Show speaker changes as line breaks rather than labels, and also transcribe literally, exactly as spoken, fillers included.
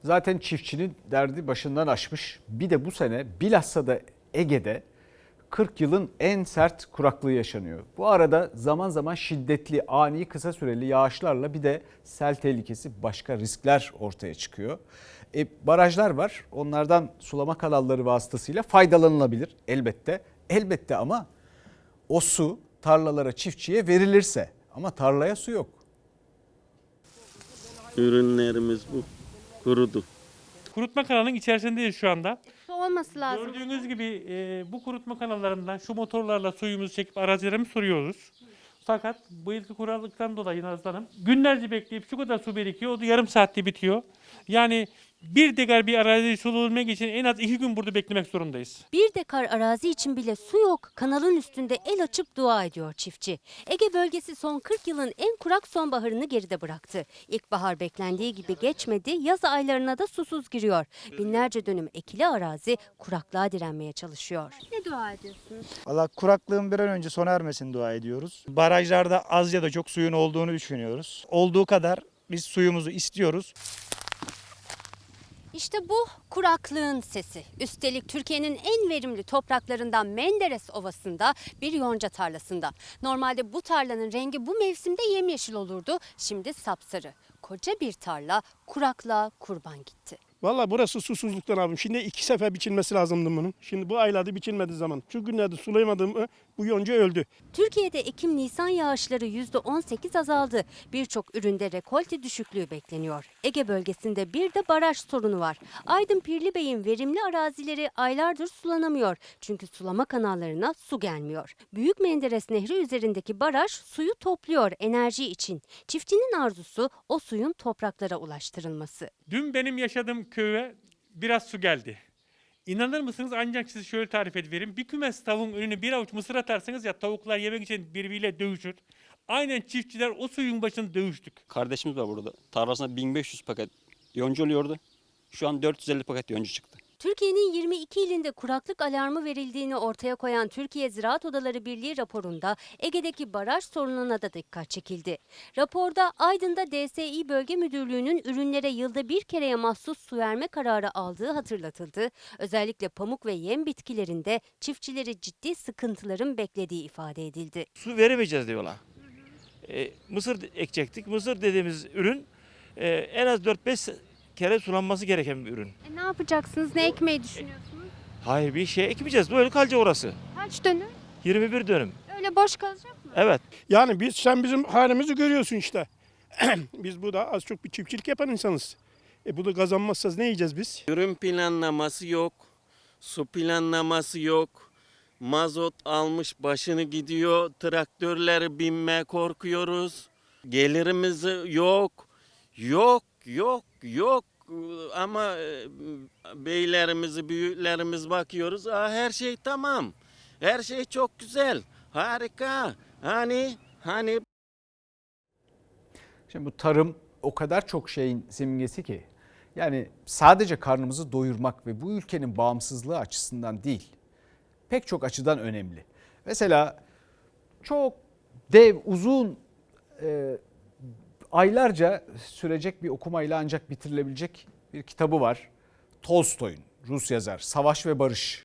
Zaten çiftçinin derdi başından aşmış. Bir de bu sene bilhassa da Ege'de kırk yılın en sert kuraklığı yaşanıyor. Bu arada zaman zaman şiddetli, ani, kısa süreli yağışlarla bir de sel tehlikesi, başka riskler ortaya çıkıyor. E, barajlar var. Onlardan sulama kanalları vasıtasıyla faydalanılabilir elbette. Elbette ama o su tarlalara, çiftçiye verilirse, ama tarlaya su yok.
Ürünlerimiz bu. Kurudu.
Kurutma kanalının içerisindeyiz şu anda.
Su olması lazım.
Gördüğünüz gibi e, bu kurutma kanallarından şu motorlarla suyumuzu çekip arazilerimizi soruyoruz. Fakat bu yılki kurallıktan dolayı Nazlı Hanım günlerce bekleyip şu kadar su birikiyor. O da yarım saatte bitiyor. Yani bir dekar bir arazi sulabilmek için en az iki gün burada beklemek zorundayız.
Bir dekar arazi için bile su yok. Kanalın üstünde el açıp dua ediyor çiftçi. Ege bölgesi son kırk yılın en kurak sonbaharını geride bıraktı. İlkbahar beklendiği gibi geçmedi, yaz aylarına da susuz giriyor. Binlerce dönüm ekili arazi kuraklığa direnmeye çalışıyor. Ne dua ediyorsunuz?
Valla kuraklığın bir an önce sona ermesini dua ediyoruz. Barajlarda az ya da çok suyun olduğunu düşünüyoruz. Olduğu kadar biz suyumuzu istiyoruz.
İşte bu kuraklığın sesi. Üstelik Türkiye'nin en verimli topraklarından Menderes Ovası'nda bir yonca tarlasında. Normalde bu tarlanın rengi bu mevsimde yemyeşil olurdu. Şimdi sapsarı. Koca bir tarla kuraklığa kurban gitti.
Valla burası susuzluktan abim. Şimdi iki sefer biçilmesi lazımdı bunun. Şimdi bu aylarda biçilmediği zaman. Şu günlerde sulayamadığım bu yonca öldü.
Türkiye'de Ekim-Nisan yağışları yüzde on sekiz azaldı. Birçok üründe rekolte düşüklüğü bekleniyor. Ege bölgesinde bir de baraj sorunu var. Aydın Pirlibey'in verimli arazileri aylardır sulanamıyor. Çünkü sulama kanallarına su gelmiyor. Büyük Menderes Nehri üzerindeki baraj suyu topluyor enerji için. Çiftçinin arzusu o suyun topraklara ulaştırılması.
Dün benim yaşadığım köye biraz su geldi. İnanır mısınız, ancak size şöyle tarif edeyim. Bir kümes tavuğun önüne bir avuç mısır atarsanız ya tavuklar yemek için birbiriyle dövüşür. Aynen çiftçiler o suyun başında dövüştük.
Kardeşimiz var burada. Tarlasına bin beş yüz paket yonca oluyordu. Şu an dört yüz elli paket yonca çıktı.
Türkiye'nin yirmi iki ilinde kuraklık alarmı verildiğini ortaya koyan Türkiye Ziraat Odaları Birliği raporunda Ege'deki baraj sorununa da dikkat çekildi. Raporda Aydın'da D S İ Bölge Müdürlüğü'nün ürünlere yılda bir kereye mahsus su verme kararı aldığı hatırlatıldı. Özellikle pamuk ve yem bitkilerinde çiftçileri ciddi sıkıntıların beklediği ifade edildi.
Su veremeyeceğiz diyorlar. E, mısır ekecektik. Mısır dediğimiz ürün e, en az dört beş kere sulanması gereken bir ürün.
E ne yapacaksınız? Ne ekmeyi düşünüyorsunuz?
Hayır, bir şey ekmeyeceğiz. Böyle kalacak orası.
Kaç dönüm?
yirmi bir dönüm.
Öyle boş kalacak mı?
Evet.
Yani biz sen bizim halimizi görüyorsun işte. Biz burada az çok bir çiftçilik yapan insanız. E bunu kazanmazsanız ne yiyeceğiz biz?
Ürün planlaması yok. Su planlaması yok. Mazot almış başını gidiyor. Traktörlere binmeye korkuyoruz. Gelirimiz yok. Yok, yok, yok. Ama e, beylerimizi, büyüklerimiz bakıyoruz. Aa, her şey tamam. Her şey çok güzel. Harika. Hani, hani
Şimdi bu tarım o kadar çok şeyin simgesi ki, yani sadece karnımızı doyurmak ve bu ülkenin bağımsızlığı açısından değil, pek çok açıdan önemli. Mesela çok dev, uzun, e, aylarca sürecek bir okumayla ancak bitirilebilecek bir kitabı var. Tolstoy'un, Rus yazar, Savaş ve Barış.